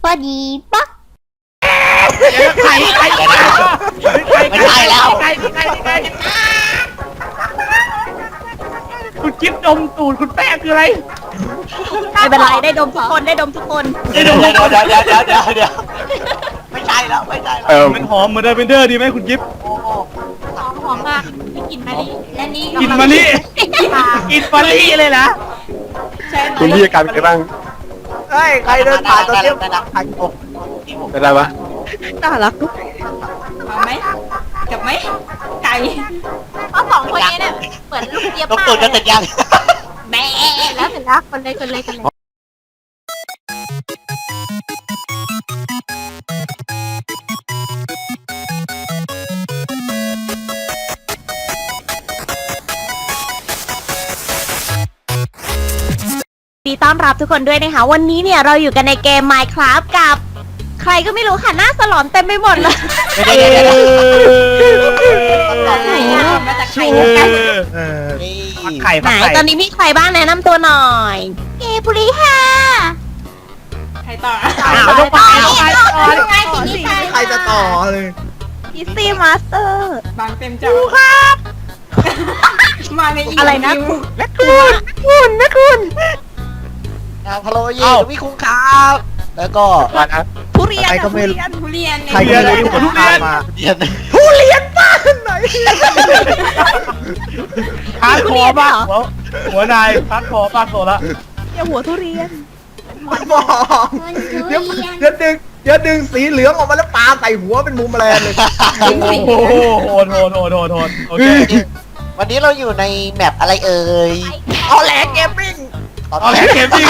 พอดีป๊อกใครไม่ใช่แล้วใครคุณกิ๊บดมตูดคุณแป้งคืออะไรไม่เป็นไรได้ดมทุกคนได้ดมทุกคนเดี๋ยวไม่ใช่แล้วไม่ใช่แล้วมันหอมเหมือนเดอร์เบนเดอร์ดีไหมคุณกิ๊บโอ้โหหอมมากมีกลิ่นมะลิและนี่กินมะลิกินมะลิเลยนะใช่ไหมคุณพี่อาการเป็นไงบ้างเฮ้ยใครเดินผ่านตัวเที่ยวผ่านผมเป็นไรวะน่ารักมาไหมกับไหมไก่เพราะสองคนนี้เนี่ยเหมือนลูกเจี๊ยบต้องมากตูดกันเสร็จยังแม่แล้วเสร็จแล้วคนเลย ดีต้อนรับทุกคนด้วยนะคะวันนี้เนี่ยเราอยู่กันในเกม Minecraft กับใครก็ไม่รู้ค่ะหน้าสลอนเต็มไปหมดเลยเดี๋ยวมาจากใครไข่ไหนตอนนี้มีใครบ้างแนะนำตัวหน่อยเกบุรีค่ะใครต่อต้องไปใครจะต่อเลยพิซซี่มาสเตอร์บางเต็มจอครับมาในอีกอะไรนะวิวแม่คุณพะโลเย่วิคุงครับแล้วก็มานะทุเรียนใครก็ไม่รู้ทุเรียนใครก็ไม่รู้ทุเรียนมาเรียนบ้านไหนพาดคอบ้างหัวนายพาดคอบ้างโซละอย่าหัวทุเรียนบอกเดี๋ยวดึงสีเหลืองออกมาแล้วปาใส่หัวเป็นมุมแมลงเลยโอ้โหโหดโอเควันนี้เราอยู่ในแมปอะไรเอ่ยออแลนเกมมิ่งเอาแหละเกมจริง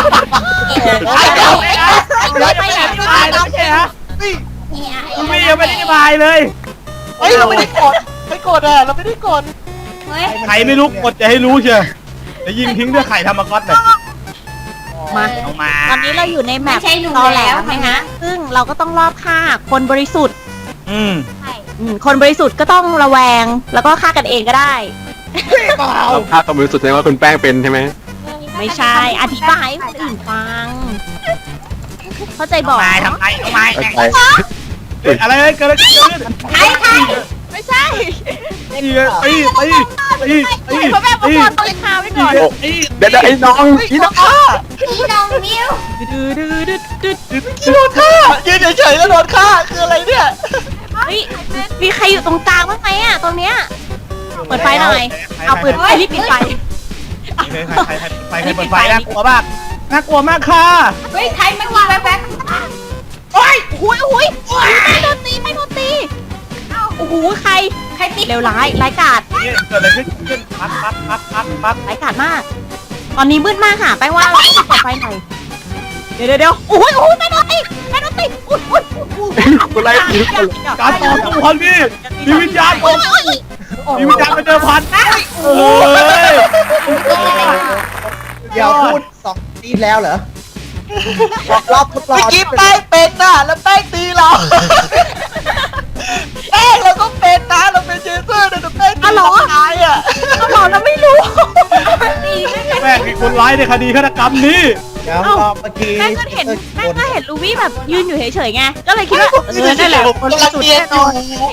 ไม่ไหนตายแล้วใช่ฮะคุณพี่ยังไม่ได้บายเลยเฮ้ยเราไม่ได้กดไม่กดอ่ะเราไม่ได้กดใครไม่รู้กดจะให้รู้เชียวจะยิงทิ้งด้วยไข่ธรรมก๊อตเลยมาเอามาตอนนี้เราอยู่ในแมปไม่ใช่หนูตอแหลแล้วมนะฮะซึ่งเราก็ต้องรอบฆ่าคนบริสุทธิ์ คนบริสุทธิ์ก็ต้องระแวงแล้วก็ฆ่ากันเองก็ได้เราพลาดความรู้สึกแสดงว่าคุณแป้งเป็นใช่ไหมไม่ใช่ อธิบายให้คนอื่นฟัง เข้าใจบอกทำไมเข้าใจอะไรเกิดอะไรขึ้นใช่ไม่ใช่ตีเพราะแบบว่าคนตัวคาไว้ก่อนเดี๋ยวไอ้น้องพี่น้องพี่น้องมิวโดนฆ่ายืนเฉยๆแล้วโดนฆ่าคืออะไรเนี่ยเฮ้ยมีใครอยู่ตรงกลางบ้างไหมอ่ะตรงเนี้ยเปิดไฟหน่อยเอาปืนไฟรีบปิดไฟใครเปิดไฟน่ากลัวมากน่ากลัวมากค่ะเฮ้ยใครมันมาแป๊บโอ้ยไม่โดนตีโอ้โหใครติดเร็วร้ายกาจเกิดอะไรขึ้นปั๊บร้ายกาจมาก ตอนนี้มืดมากค่ะแป้งว่าเราต้องเปิดไฟหน่อยเดี๋ยวโอ้ยไม่โดนตีอุ้ยคุณไล่ผีทุกคนการต่อสู้พันพี่มีวิญญาณมีวิญญาณเป็นเดิมพันโอ้ยเดี๋ยวพูดสองทีแล้วเหรอรอบทดลอเมื่อง กี้แป้งเป็นน่ะแล้วแป้งตีเราแป้งเราก็เป็นนะเราเป็นเจเซอร์แต่แป้งตีเราตายอ่ะเราบอกเราไม่รู้แม่งมีคนร้ายในคดีฆาตกรรมนี้เดี๋ยวรอบเมื่อกี้แม่ก็เห็นลูวี่แบบยืนอยู่เฉยๆไงก็เลยคิดว่านั่นแหละคนกำลังสุดเนียนแน่อนอนยู่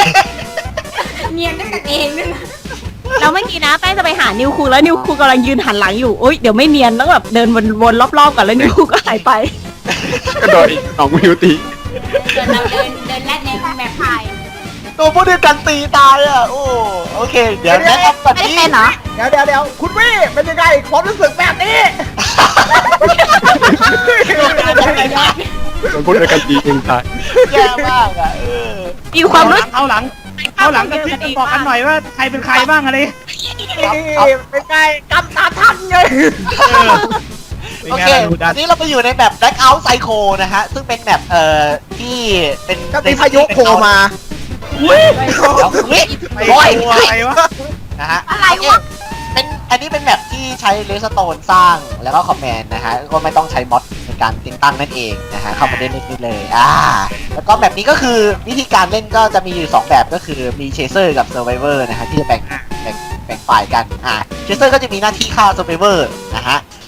เนียนด้วยกันเองด้วยนะแล้วเมื่อกี้นะแป้งจะไปหานิวคูแล้วนิวคูกำลังยืนหันหลังอยู่โอ๊ยเดี๋ยวไม่เนียนแล้วแบบเดินวนรอบๆก่อนแล้วนิวคูก็หายไปก็โดนน้องมิวตีเราเดินแลดในแบบพายตัวพวกเดียวกันตีตายอ่ะโอ้โอเค เดี๋ยวแนะนำก่อนไม่ได้ที่เป็นเหรอเดี๋ยวคุณวี่เป็นยังไงความรู้สึกแบบนี้โดนพูดอะไรกันดีเองตายแย่มากอ่ะมีความรู้สึกเข้าหลังกันที่จะบอกกันหน่อยว่าใครเป็นใครบ้างอะไรเป็นไงกำตาทันไงโอเคอันนี้เราไปอยู่ในแบบ Blackout Psycho นะฮะซึ่งเป็นแบบที่เป็นก็มีพายุโผล่มาอุ้ยโอ้ยอะไรวะนะฮะอะไรวะเป็นอันนี้เป็นแบบที่ใช้เลสโตนสร้างแล้วก็คอมแมนด์นะฮะก็ไม่ต้องใช้มอดในการติดตั้งนั่นเองนะฮะเข้ามาเล่นได้เลยแล้วก็แบบนี้ก็คือวิธีการเล่นก็จะมีอยู่2แบบก็คือมีเชเซอร์กับเซอร์ไวเวอร์นะฮะที่จะแบ่งฝ่ายกันเชเซอร์ก็จะมีหน้าที่ฆ่าเซอร์ไวเวอร์นะฮะ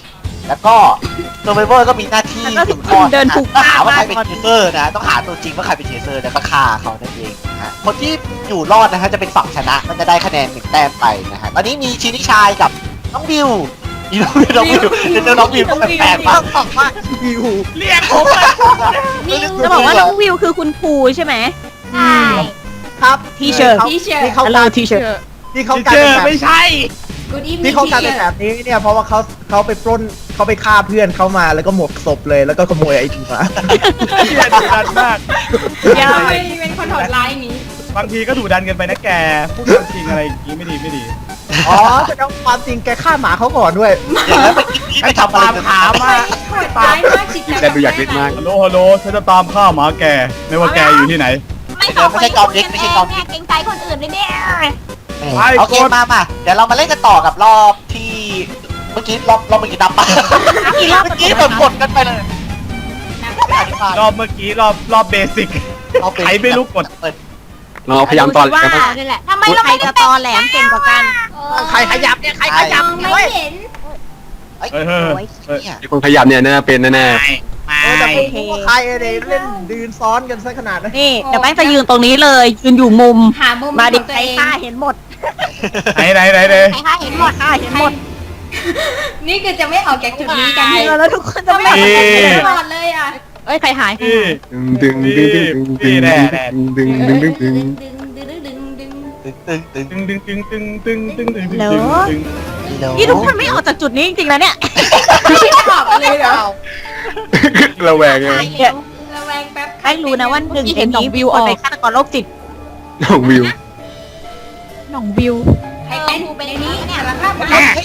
แล้วก็เซอร์ไวเวอร์ก็มีหน้าที่แล้วก็สืบทอดเดินถูกต้องหาว่าใครฆ่าเป็นเทเซอร์นะต้องหาตัวจริงว่าใครเป็นเทเซอร์แล้วก็ฆ่าเขานั่นเองนะฮะคนที่อยู่รอดนะฮะจะเป็นฝั่งชนะมันจะได้คะแนน1 แต้มไปนะฮะตอนนี้มีชินิชายกับน้องบิวนี่น้องบิวน้องบิวก็แปลกๆมากบอกว่าวิวเรียกผมเลยจะบอกว่าน้องวิวคือคุณครูใช่ไหมใช่ครับทีเชิร์ตทีเชิร์ที่เขา Hello teacher ที่เขาที่กลายเจเป็นอแบบไม่ใช่กูดีที่เขากลายเป็นแบบนี้เนี่ยเพราะว่าเขาไปปล้นเขาไปฆ่าเพื่อนเขามาแล้วก็หมกศพเลยแล้วก็ขโมยไอทีมาเชี่ยดุดันมากยาวเป็นคนโหดร้ายอย่างนี้บางทีก็ดุดันเกันไปนะแกพูดความจริงอะไรอย่างนี้ไม่ดีอ๋อแต่เอาความจริงแกฆ่าหมาเขาก่อนด้วยแล้วไปกินนี่ไปทำอะไรตามกันขามาโหดร้ายมากจิตใจแต่ดูอยากเล่นมากฮัลโหลฉันจะตามฆ่าหมาแกไม่ว่าแกอยู่ที่ไหนไม่ต้องไปคุยกันเองเนี่ยเกรงใจคนอื่นเลยเนี่ยโอเคมาเดี๋ยวเรามาเล่นกันต่อกับรอบที่เมื่อกี้รอบเมื่อกี้นับปะเมื่อกี้แบบกดกันไปเลยอธิบายรอบเมื่อกี้รอบเบสิก ใครไม่รู้กดเปิดเราพยายามตอนว่ากันนี่แหละทำไมเราไม่จะตอแหลมเก่งกว่ากันใครขยับเนี่ยใครขยับไม่เห็นเฮ้ยเนี่ยมีคนพยายามเนี่ยน่าเป็นแน่แต่ไม่รู้ว่าใครเลยเล่นดืนซ้อนกันซะขนาดนั้นนี่เดี๋ยวแป้งจะยืนตรงนี้เลยยืนอยู่มุมหามุมมาดิของตัวใครเองฆ่าเห็นหมดไหนเลยใครฆ่าเห็นหมดฆ่าเห็นหมดนี่คือจะไม่ออกจากจุดนี้กันแล้วทุกคนจะไม่ไม่ออกจากจุดนี้ตลอดเลยอ่ะเอ้ยใครหายพี่ๆดึงดึงดึงดึงดึงดึงดึงดึงดึงดึงตึงตึงนี่ทุกคนไม่ออกจากจุดนี้จริงๆนะเนี่ยไม่ออกเลยเหรอระแวงไงระแวงแป๊บใครรู้นะว่าหนึ่งในนี้วิวออกในฆาตกรโรคจิตน้องวิวหน่องวิวใครเป็นในนี้เนี่ยสารภาพมา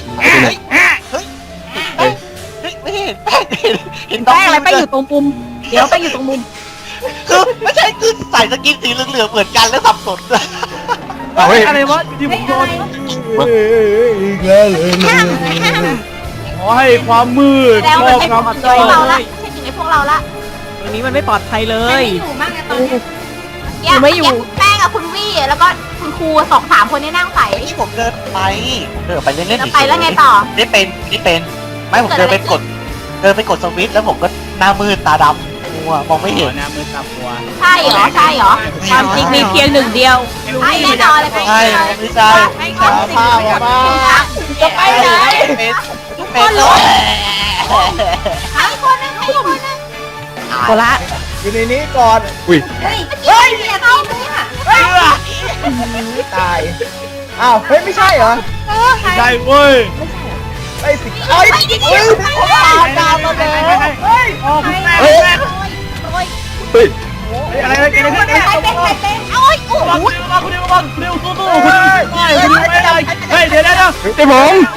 ไม่เห็นเห็นแป้งอะไรแป้งอยู่ตรงมุมเดี๋ยวแป้งอยู่ตรงมุมคือไม่ใช่คือใส่สกินสีเหลืองๆเหมือนกันแล้วสับสนเลยเฮ้ยอะไรวะที่ผมโดนอีกแล้วเลยขอให้ความมืดแล้วครมันอบไม่งปลอดภัยเราละไม่ใช่ถึงไอ้พวกเราละตรงนี้มันไม่ปลอดภัยเลไม่ยอยู่มากนะตอนนี้ไม่อยู่แป้งกับคุณวี่แล้วก็คุณครู2-3 คนนี่นั่งใส่ที่ผมเดินไปเล่นๆแล้วไปแล้วไงต่อไม่เป็นไม่ผมเดินไปกดสวิตช์แล้วผมก็หน้ามืดตาดำมัวมองไม่เห็นหน้ามือตามัวใช่เหรอใช่เหรอความจริงมีเพียงหนึ่งเดียวใช่แน่นอนเลยใช่ไม่ใช่ผ้าออกมาจะไปไหนเป็นเลยใครคนนึงใครคนนึงโคละอยู่ในนี้ก่อนอุ้ยเฮ้ยเนี่ยตีนเนี่ยตายอ้าวเฮ้ยไม่ใช่เหรอใช่เว้ยไอ้สิเอ้ยเฮ้ยดาวมาแล้วเฮ้ยออกแม่เฮ้ย เฮ้ยอะไรอะไรกันเนี่ยใครเป็นใครเป็นโอ้ยโอ้ระวังระวังระวังเร็วสู้สู้คุณไม่ได้เฮ้ยเดี๋ยวไอ้ผมเดี๋ยว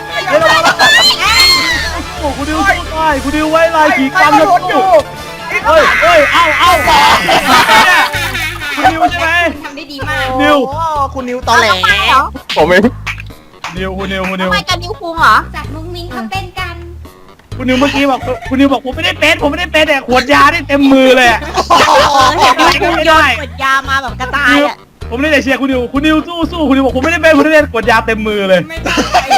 คุณดิวสู้ได้คุณดิวไว้ลายขี่ใครกรรมมาแล้วหลุดอยู่เฮ้ยเอาคุณดิวใช่ไหมทำได้ดีมากนิวโอ้คุณนิวตอแหลผมเองนิวคุณนิวทำไมกันนิ้วคุงเหรอจากมุ้งมิ้งเขาเป็นกันคุณนิวเมื่อกี้บอกคุณนิวบอกผมไม่ได้เป็นแต่ขวดยาได้เต็มมือเลยเห็นนิ้วคุงโยนขวดยามาแบบกระจายอ่ะผมเลยแต่เชียร์คุณนิวสู้คุณนิวบอกผมไม่ได้เป็นขวดยาเต็มมือเลยไม่ได้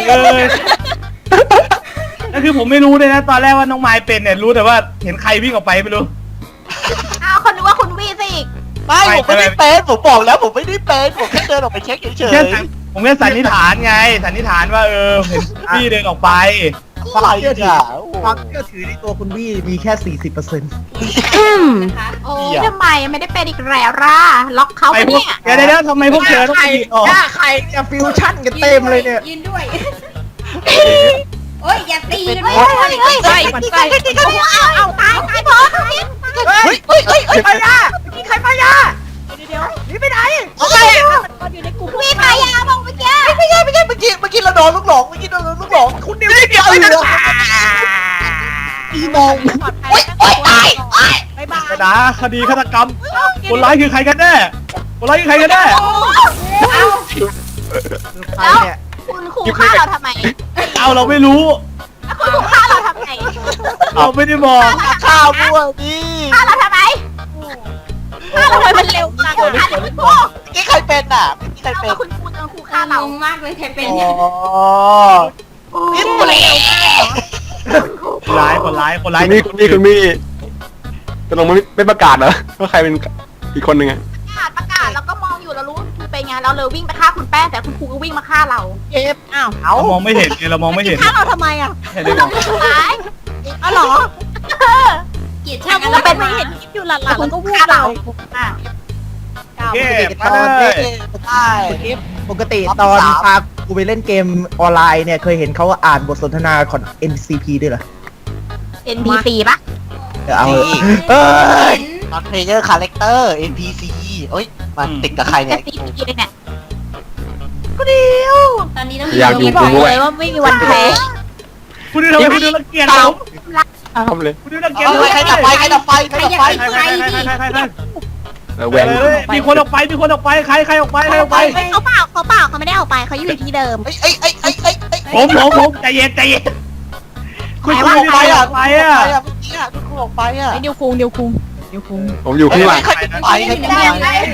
นั่นคือผมไม่รู้เลยนะตอนแรกว่าน้องไม้เป็นเนี่ยรู้แต่ว่าเห็นใครวิ่งออกไปไม่รู้อ้าวคนนึกว่าคุณวี่สิไม่ผมไม่ได้เป็นผมบอกแล้วผมไม่ได้เป็นผมแค่เดินออกไปเช็คเฉยผมแค่สันนิษฐานไงสันนิษฐานว่าเห็นพี่เดินออกไปๆอะไรเนี่ยความเชื่อถือในตัวคุณวี่มีแค่ 40% นะคะโอ้ยทำไมไม่ได้เป็นอีกแล้วล่ะล็อกเขาไปไปพวกเนี่ยเดี๋ยวทำไมพวกเธอต้องไปยืนออกหน้าใครจะฟิวชั่นกันเต็มเลยเนี่ยยืนด้วยโอ้ยอย่าตีกันเฮ้ยเฮ้ยใกล้มันใกล้เอาตายพอเฮ้ยไปยามีใครไปยาเดี๋ยวนี่ไปไหนอะไรอ่ะมันอยู่ในกลุ่มวิ่งมายาบอกเมื่อกี้ไม่ใช่เมื่อกี้เราโดนลูกหลงคุณนิวเดี๋ยวอีมองปลอดภัยตายบายบายนะคดีฆาตกรรมคนร้ายคือใครกันแน่คนร้ายคือใครกันแน่ใครเนี่ยคุณครูฆ่าเราทำไมเอาเราไม่รู้คุณครูฆ่าเราทำไมเราไม่ได้บอกข้าวมั่วดิฆ่าเราทำไมฆ่าเราทำไมมันเร็วจังอ่ะคุณครูนี่ใครเป็นอ่ะไม่มีใครเป็นคุณครูเจอครูฆ่าฆ่าเราเรามากเลยใครเป็นอ๋อนี่เปลี่ยนร้ายคนร้ายคุณมี่จะลงไม่ประกาศเหรอว่าใครเป็นอีกคนหนึ่งอะประกาศแล้วก็มองอยู่แล้วรู้คือเป็นไงเราเลยวิ่งไปฆ่าคุณแป้งแต่คุณครูก็วิ่งมาฆ่าเราเก็บอ้าวเรามองไม่เห็นไงเรามองไม่เห็นฆ่าเราทำไมอ่ะเห็นได้ไงตายอ๋อเหรอเกลียดเราช่างก็ก็เป็เป็น นไม่ไม่เห็เห็นนคลิปอยู่หลังๆแล้วก็วูบเราเก็บตมาอนเลนี้ยได้ปกติตอนพากูไปเล่นเกมออนไลน์เนี่ยเคยเห็นเขาอ่านบทสนทนาของ NCP ด้วยเหรอ NPC ปะเอาเอ้ย non player character NPC เอ้ยมันติดกับใครเนี่ย NPC เลยเนี่ยตอนนี้ต้องอยากอยู่บอกูกด้วยเลยว่าไม่มีวันแพ้คุณดูทำไมคุณดูรังเกียจผมทำเลยคุณดูรังเกียจเอาใครดับไฟใครดับไฟใครดับไฟใครแหวงมีคนออกไปมีคนออกไปใครออกไปใครออกไปเขาเปล่าเขาไม่ได้ออกไปเขาอยู่ที่เดิมเอ้ยผมใจเย็นคุณออกไปอ่ะไปอ่ะเมื่อกี้อ่ะคุณครูออกไปอ่ะไอ้นิวคุงผมอยู่ข้างหลังใครเป็นไฟใครเป็นไฟ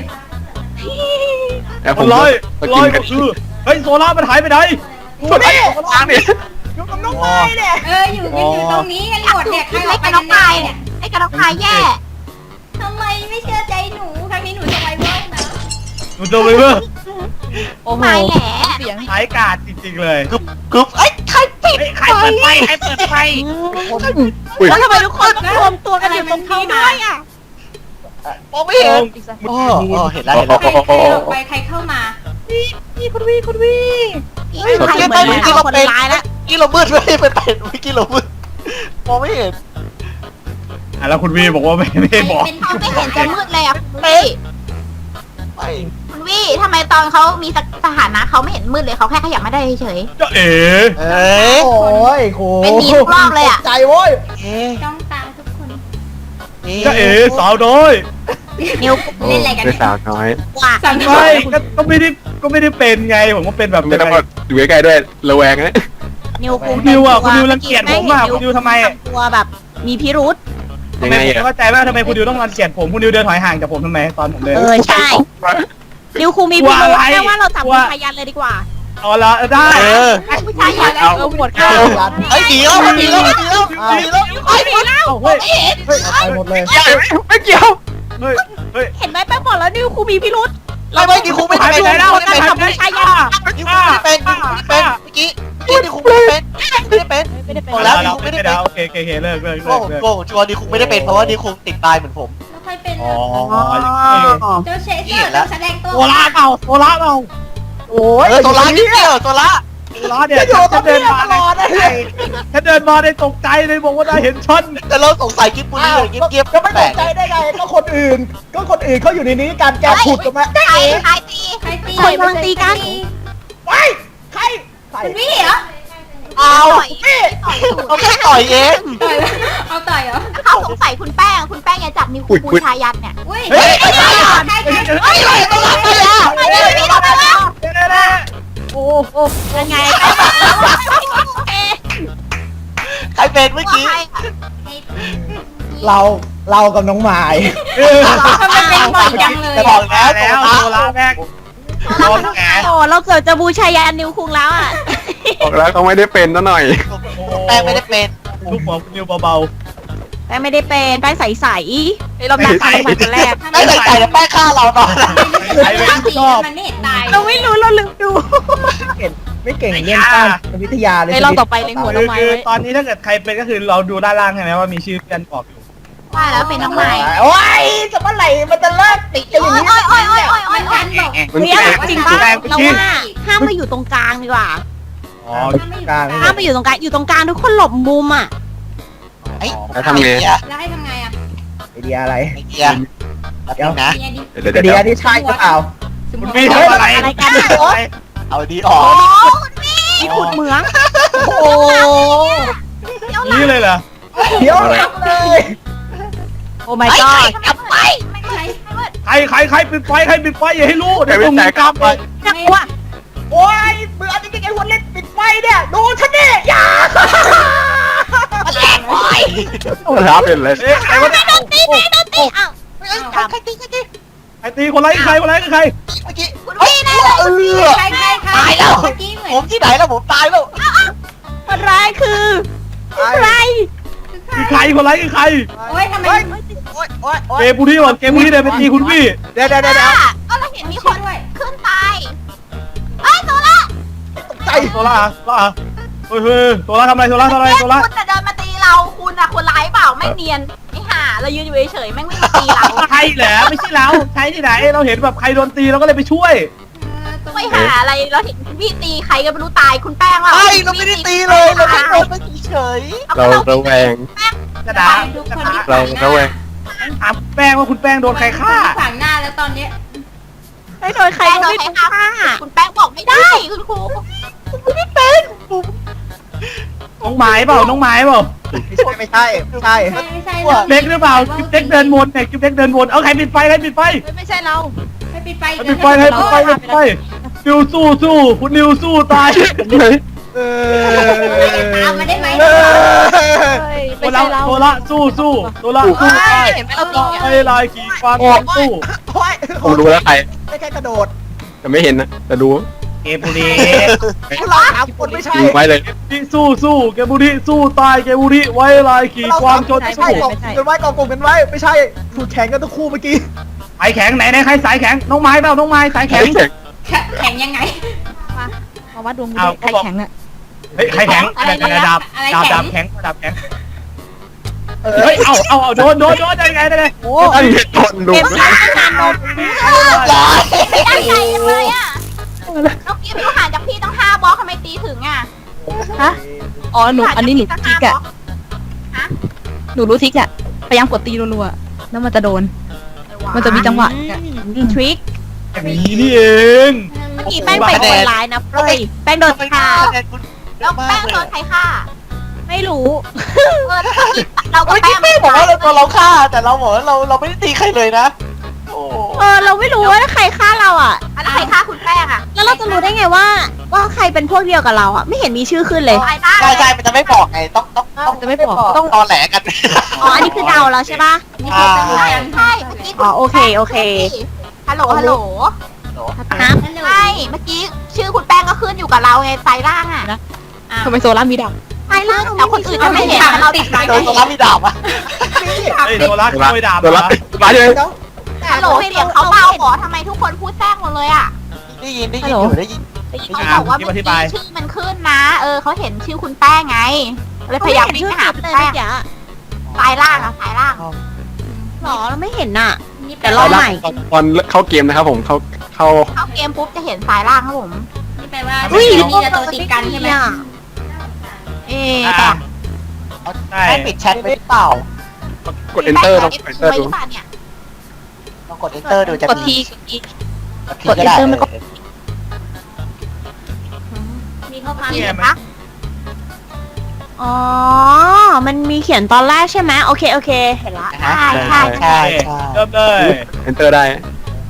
แล้วคผมนร้อยก็ร้กิอน ยกันคือเฮ้ยโซล่ามันหายไปไหนส่วนไอ้ล้างเนี่ยอยู่กับน้องไม้เนี่ยอยู่กันอยู่ตรงนี้กันหมดเนี่ยใครอไอ้อกไปกระกัน้อน งแน่พายเนี่ยไอ้กระน้องพายแย่ทำไมไม่เชื่อใจหนูครั้งนี้หนูจะไวเวิร์กนะมันตัวไปเพื่อโอ้โหพายแหล่เสียงหายกาดจริงๆเลยกรุ๊ปใครปิดใครเปิดไฟใครเปิดไฟอุ้ยแล้วทำไมทุกคนรวมตัวกันอยู่ตรงนี้ด้วยอ่ะมองไม่เห็นโอ้เห็นแล้วใครออกไปใครเข้ามาคุณวีใครเหมือนเมื่อเป็กี้นเราคนเป็นร้ายแล้วเมื่อกี้เรามืดไม่ได้เป็นเมื่อกี้เรามืดมองไม่เห็นแล้วคุณวีบอกว่าไม่บอกเป็นเขาไม่เห็นจะมืดเลยอ่ะคุณวี่ไปคุณวี่ทำไมตอนเขามีสถานะเขาไม่เห็นมืดเลยเขาแค่ขยับไม่ได้เฉยจะเอ๋เอ้ยโอ้ยโหเป็นหนีทุกรอบเลยอะใจโว้ยจ้องตามทุกคนจะเอ๋สาวน้อยนิวโอ้ไม่สาวน้อยว่าไม่ก็ไม่ได้เป็นไงผมก็เป็นแบบไม่ต้องมาอยู่ใกล้ๆด้วยระแวงนะนิวคุงคุณนิวอ่ะคุณนิวรังเกียจผมอ่ะคุณนิวทำไมตัวแบบมีพิรุษทำไมผมเข้าใจว่าทำไมคุณนิวต้องรังเกียจผมคุณนิวเดินถอยห่างจากผมทำไมตอนผมเดินใช่นิวคุงมีพิรุษแค่ว่าเราจับผู้ชายยันเลยดีกว่าเอาละได้ๆผู้ชายอยากหมดข้าวไอ้ดีแล้วดีแล้วดีแล้วดีแล้วเอาเฮ้ยเฮ้ยเอาไปหมดเลยไม่เกี่ยวเฮ้ยเฮ้ยเห็นไหมแป้งบอกแล้วนิวคุงมีพิรุษไม่ดีครูไม่ได้หายไปเป็นไหนแล้วไม่ได้จัเป็นบผู้ชายยันดิครูไม่เป็นดิครูไม่เป็นเมื่อกี้ดิครูไม่เป็นไม่ได้เป็นไม่ได้เป็นหมดแล้วดิครูไม่ได้เป็นโอเคเลิกโก้โก้ชัวร์ดิครูไม่ได้เป็นเพราะว่าดิครูติดตายเหมือนผมแล้วใครเป็นอ๋อเจ้าเชสเตอร์ต้องแสดงตัวโซล่าเปล่าโซล่าเปล่าโอ้ยโซล่านิดเดียวโซล่าโซล่าเนี่ยฉันเดินมาฉันเดินมาได้ตกใจเลยบอกว่าได้เห็นฉันแต่เราสงสัยกิ๊บปุ้ยเงียบก็ไม่ตกใจได้ไงก็คนอื่นเขาอยู่ในนี้การแกขุดกันมาใครใครตีใครตีคนกำลังตีกันไว้ใครคุณวี่เหรอเอาต่อยเขาแค่ต่อยเองต่อยเอาต่อยเหรอเขาสงสัยคุณแป้งอย่าจับนิ้วผู้ชายยันเนี่ยอุ้ยเฮ้ยใครเฮ้ยอะไรตัวอะไรอ่ะไม่ได้ไม่ได้แล้วโอ้โหยังไงใครเป็นเมื่อกี้เรากับน้องไม้ทำไมเป็นบ่อยจังเลยจะบอกแล้วแล้วโซล่าแม่งโดนแกโอ้เราเกิดจะบูชายันนิวคุงแล้วอ่ะบอกแล้วเขาไม่ได้เป็นซะหน่อยแป้งไม่ได้เป็นลูกหัวคุณนิวเบาแป้งไม่ได้เป็นแป้งใสๆเราหนักใสคนแรกไม่ใส่ใจแต่แป้งฆ่าเราตอนนั้นมันไม่เห็นตายเราไม่รู้เราลืมดูไม่เก่งเรื่องการวิทยาเลยในรอบต่อไปเลยหัวๆคือตอนนี้ถ้าเกิดใครเป็นก็คือเราดูด้านล่างใช่ไหมว่ามีชื่อเพื่อนบอกอยู่ว่าแล้วเป็นน้องใหม่โอ้ยจะเมื่อไหร่มันจะเลิกติดกันอย่างนี้โอ้ยมันกันบอกมันเฮ้ยแปลกจริงป่ะเราว่าห้ามมาอยู่ตรงกลางดีกว่าอ๋อกลางห้ามมาอยู่ตรงกลางอยู่ตรงกลางทุกคนหลบมุมอ่ะแล้วทำไงแล้วให้ทำไงอ่ะไอเดียอะไรไอเดียเดี๋ยวนะเดี๋ยวไอเดียนี่ใช่หรือเปล่าคุณไม่ทำอะไรเอาดีออกมีขุดเหมืองโอ้นี่เลยเหรอเดี๋ยวเลยโอ้ my god จับไปใครปิดไฟอย่าให้รู้เดี๋ยวต้องมีกรรมไปน่ากลัวโอ้ยเบื่อจริงๆไอ้คนเล่นปิดไฟเนี่ยดูฉันนี่อย่ามันแรงโอ้ยรับเป็นเลยใครวะโดนตีอ้าวใครตีใครตีคนไรคือใครเมื่อกี้คุณวี่แน่เลยใครตายแล้วเมื่อกี้เหมือนผมที่ไหนแล้วผมตายแล้วคนร้ายคือใครคือใครคนร้ายคือใครโอ้ยทำไมโอ๊ยโอ๊ยโอ๊ยเกมบูที่ก่อนเกมบูที่เดินไปตีคุณพี่เดี๋ยวก็เราเห็นมีคนขึ้นตายเอ้ยโซล่าใจโซล่าเฮ้ยโซล่าทำอะไรโซล่าคุณแต่เดินมาตีเราคุณอะคนร้ายเปล่าไม่เนียนไม่ห่าเรายืนอยู่เฉยๆแม่งไม่มาตีเราใช่เหรอไม่ใช่เราใช่ที่ไหนเราเห็นแบบใครโดนตีเราก็เลยไปช่วยไม่ห่าอะไรเราเห็นพี่ตีใครก็ไม่รู้ตายคุณแป้งว่าไอ้เราไม่ได้ตีเลยเราแค่โดนไปเฉยเราระแวงกระดาษทุกคนที่เราระแวงถามแป้งว่าคุณแป้งโดนใครฆ่าขวางหน้าแล้วตอนเนี้ยไม่โดนใครแป้งก็โดนไม่ใครรู้ฆ่าค่ะคุณแป้งบอกไม่ได้คุณครูน้องไม้เปล่าไม่ใช่ไม่ใช่เล็กหรือเปล่ากิ๊บเล็กเดินวนเนี่ยกิ๊บเล็กเดินวนเอาใครปิดไฟไม่ใช่เราให้ปิดไฟปิดไฟนิวสู้คุณนิวสู้ตายตามมาได้ไหมไม่ใช่เราโซล่าสู้ตายเห็นไหมเราตีไม่ลายขี่ควางสู้โอ้ยผมรู้แล้วใครไม่แค่กระโดดแต่ไม่เห็นนะแต่รู้เกมบุรีพวกเราสามคนไม่ใช่ยิงไว้เลยที่สู้เกมบุรีสู้ตายเกมบุรีไว้ลายขี่เราควาสาง มจคนนไม่ใช่สู้กองกลุ่มกันไว้ไม่ใช่ถูกแข่งกันทั้งคู่เมื่อกี้สายแข็งไหนใครสายแข็งน้องไม้เปล่าน้องไม้สายแข็งแข็งยังไงมาวัดดวงเอาใครแข็งอะเฮ้ยใครแข็งอะไรนะดาบอะไรดาบแข็งแข็งเฮ้ยเอาโดนได้ไงโอ้ตั้งเหตุผลดูเกมสร้างงานนมตั้งใจเลยอะน้องกิ๊ฟอยู่ห่างจากพี่ต้อง5 บล็อกทำไมตีถึงอะฮะอ๋อหนูอันนี้หนูทิกอะหนูรู้ทิกอะพยายามกดตีรัวๆแล้วมันจะโดน มันจะมีจังหวะทริคอย่างนี้นี่เองเมื่อกี้แป้งเป็นคนร้ายนะเฟ้ยแป้งโดนฆ่าแล้วแป้งโดนใครฆ่าไม่รู้เราก็เมื่อแป้กี้งแม่บอกว่าเราตัวเราฆ่าแต่เราบอกว่าเราไม่ได้ตีใครเลยนะโอ้เราไม่รู้ว่าใครฆ่าเราอ่ะแล้วใครฆ่าคุณแป้งอะแล้วเราจะรู้ได้ไงว่าใครเป็นพวกเดียวกับเราอ่ะ ไม่เห็นมีชื่อขึ้นเลยใช่มันจะไม่บอกไงต้องจะไม่บอกต้องตอแหลกันอ๋อ อันนี้คือเดาแล้วใช่ปะนี่คือจังหวะใช่เมื่อกี้อ๋อโอเคฮัลโหลฮะใช่เมื่อกี้ชื่อคุณแป้งก็ขึ้นอยู่กับเราไงไซล่างอะทำไมโซล่ามีดังไซล่างแต่คนอื่นจะไม่เห็นเราติดไฟโดนตัวรับมีดาบอ่ะเฮ้ยโซล่าขโมยดาบตัวรับมาเลยฮัลโหลเสียงเขาเบาขอทำไมทุกคนพูดแทรกหมดเลยอะได้ยินอยู่ได้ยินเขาบอกว่าเมื่อกี้ชื่อมันขึ้นนะเขาเห็นชื่อคุณแป้งไงเลยพยายามวิ่งไปหาคุณเลยแป้เมื่งอกี้สายล่างอะสายล่างหรอเราไม่เห็นน่ะนี่แต่แปลรอว่าใหม่ตอนเข้าเกมนะครับผมเข้าเข้าเกมปุ๊บจะเห็นสายล่างครับผมนี่แปลว่าอุ้ยนี่จะตัวติดกันใช่ไหมต่อใช่ให้ปิดแชทไว้หรือเปล่ากด enter ต้องกด enter ไว้ดูหรือเปล่าเนี่ยต้องกด enter ดูจะกดมีทีกด enter มันก็มีข้อความเห็นไหมปะอ๋อ มันมีเขียนตอนแรกใช่ไหมโอเค เห็นละใช่เริ่มเลย enter ได้